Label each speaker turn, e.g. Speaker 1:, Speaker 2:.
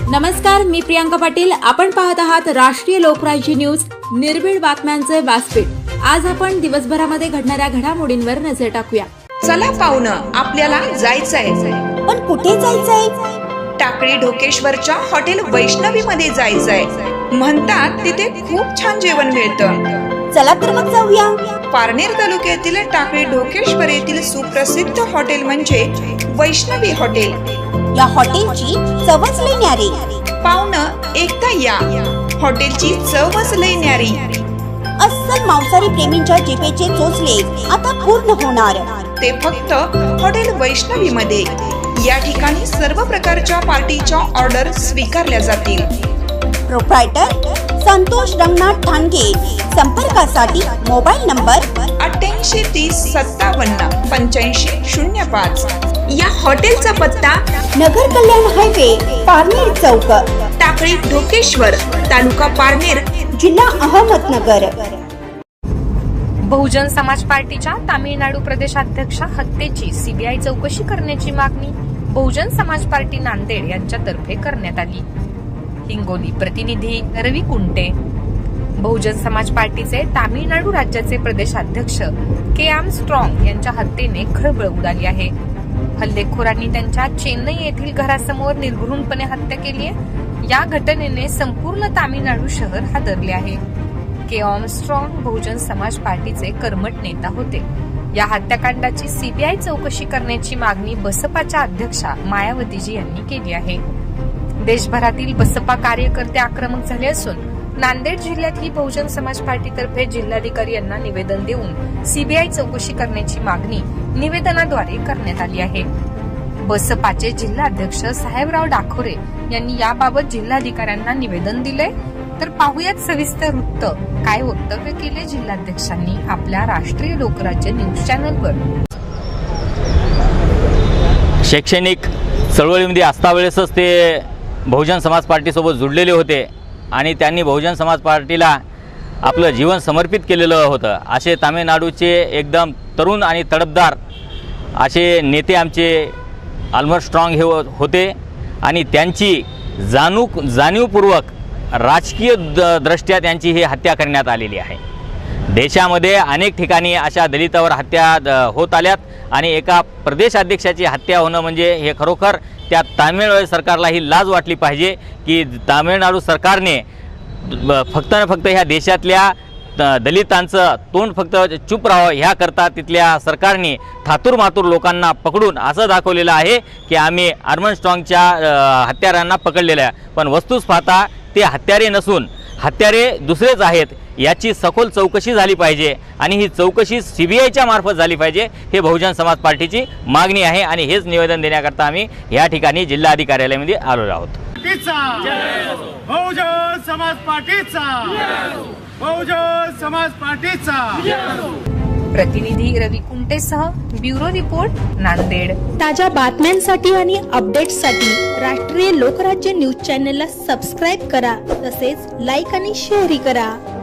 Speaker 1: नमस्कार, मी प्रियांका पाटील. आपण पाहत आहात राष्ट्रीय लोकराज्य न्यूज, निर्भीड बातम्यांचे व्यासपीठ. आज आपण दिवसभरामध्ये घडणाऱ्या घडामोडींवर नजर टाकूया.
Speaker 2: चला पाहुणं, आपल्याला जायचंय.
Speaker 3: पण कुठे जायचंय?
Speaker 2: टाकळी ढोकेश्वरच्या हॉटेल वैष्णवी मध्ये जायचंय. म्हणतात तिथे खूप छान जेवण मिळतं.
Speaker 3: चला तर मग जाऊया.
Speaker 2: पारनेर तालुक्यातील टाकळी ढोकेश्वर येथील सुप्रसिद्ध हॉटेल म्हणजे वैष्णवी हॉटेल.
Speaker 3: या हॉटेलची चवच लई न्यारी.
Speaker 2: पाहुणं, एकदा या. हॉटेलची चवच लई न्यारी.
Speaker 3: अस्सल मांसाहारी प्रेमींच्या जिभेचे चोचले आता पूर्ण होणार.
Speaker 2: ते फक्त हॉटेल वैष्णवी मध्ये. या ठिकाणी सर्व प्रकारच्या पार्टीच्या ऑर्डर स्वीकारल्या जातील.
Speaker 3: प्रोप्रायटर संतोष रंगनाथ ठाणगे. संपर्कासाठी मोबाईल नंबर
Speaker 2: 8830578505. या हॉटेलचा पत्ता
Speaker 3: नगर कल्याण हायवे, पारनेर चौक,
Speaker 2: टाकळी ढोकेश्वर, तालुका पारनेर,
Speaker 3: जिल्हा अहमदनगर.
Speaker 4: बहुजन समाज पार्टीच्या तामिळनाडू प्रदेशाध्यक्षा हत्येची सीबीआय चौकशी करण्याची मागणी बहुजन समाज पार्टी नांदेड यांच्यातर्फे करण्यात आली. हिंगोली प्रतिनिधी रवी कुंटे. बहुजन समाज पार्टीचे तामिळनाडू राज्याचे प्रदेशाध्यक्ष के आर्मस्ट्रॉंग यांच्या हत्येने खळबळ उडाली आहे. हल्लेखोरांनी त्यांच्या चेन्नई येथील घरासमोर निर्घृणपणे हत्या केली आहे. या घटनेने संपूर्ण तामिळनाडू शहर हादरले आहे. के आर्मस्ट्रॉंग बहुजन समाज पार्टीचे कर्मठ नेता होते. या हत्याकांडाची सीबीआय चौकशी करण्याची मागणी बसपाच्या अध्यक्षा मायावतीजी यांनी केली आहे. देशभरातील बसपा कार्यकर्ते आक्रमक झाले असून नांदेड जिल्ह्यातही बहुजन समाज पार्टीतर्फे जिल्हाधिकारी यांना निवेदन देऊन सीबीआय चौकशी करण्याची मागणी निवेदनाद्वारे करण्यात आली आहे. बसपाचे जिल्हाध्यक्ष साहेबराव डाखोरे यांनी याबाबत जिल्हाधिकाऱ्यांना निवेदन दिले. तर पाहुयात सविस्तर वृत्त. काय वक्तव्य केले जिल्हाध्यक्षांनी आपल्या राष्ट्रीय लोकराज्य न्यूज चॅनलवर.
Speaker 5: शैक्षणिक चळवळीमध्ये असतावेळेसच ते बहुजन समाज पार्टीसोबत जुडलेले होते आणि त्यांनी बहुजन समाज पार्टीला आपलं जीवन समर्पित केलेलं होतं. असे तामिळनाडूचे एकदम तरुण आणि तडफदार असे नेते आमचे आर्मस्ट्रॉंग हे होते आणि त्यांची जाणीवपूर्वक राजकीय दृष्ट्या त्यांची ही हत्या करण्यात आलेली आहे. देशामध्ये अनेक ठिकाणी अशा दलितावर हत्या होत आल्यात आणि एका प्रदेशाध्यक्षाची हत्या होणं म्हणजे हे खरोखर त्या तामिळनाडू सरकारला ही लाज वाटली पाहिजे की तामिळनाडू सरकारने फक्त ह्या देशातल्या दलितांचं तोंड फक्त चूप राहावं ह्याकरता तिथल्या सरकारने थातूरमातूर लोकांना पकडून असं दाखवलेलं आहे की आम्ही आर्मस्ट्रॉंगच्या हत्यारांना पकडलेलं आहे. पण वस्तूस पाहता ते हत्यारे नसून हत्यारे दुसरेच आहेत. याची सखोल चौकशी झाली पाहिजे आणि ही चौकशी सीबीआयच्या मार्फत झाली पाहिजे. हे बहुजन समाज पार्टीची मागणी आहे आणि हेच निवेदन देण्याकरता आम्ही या ठिकाणी जिल्हाधिकाऱ्यालयामध्ये आलेलो आहोत.
Speaker 6: बहुजन समाज पार्टीचा, बहुजन समाज पार्टीचा.
Speaker 4: प्रतिनिधी रवी कुंटेसह ब्युरो रिपोर्ट, नांदेड.
Speaker 7: ताज्या बातम्यांसाठी आणि अपडेट्ससाठी राष्ट्रीय लोकराज्य न्यूज चॅनलला सबस्क्राईब करा. तसेच लाईक आणि शेअरही करा.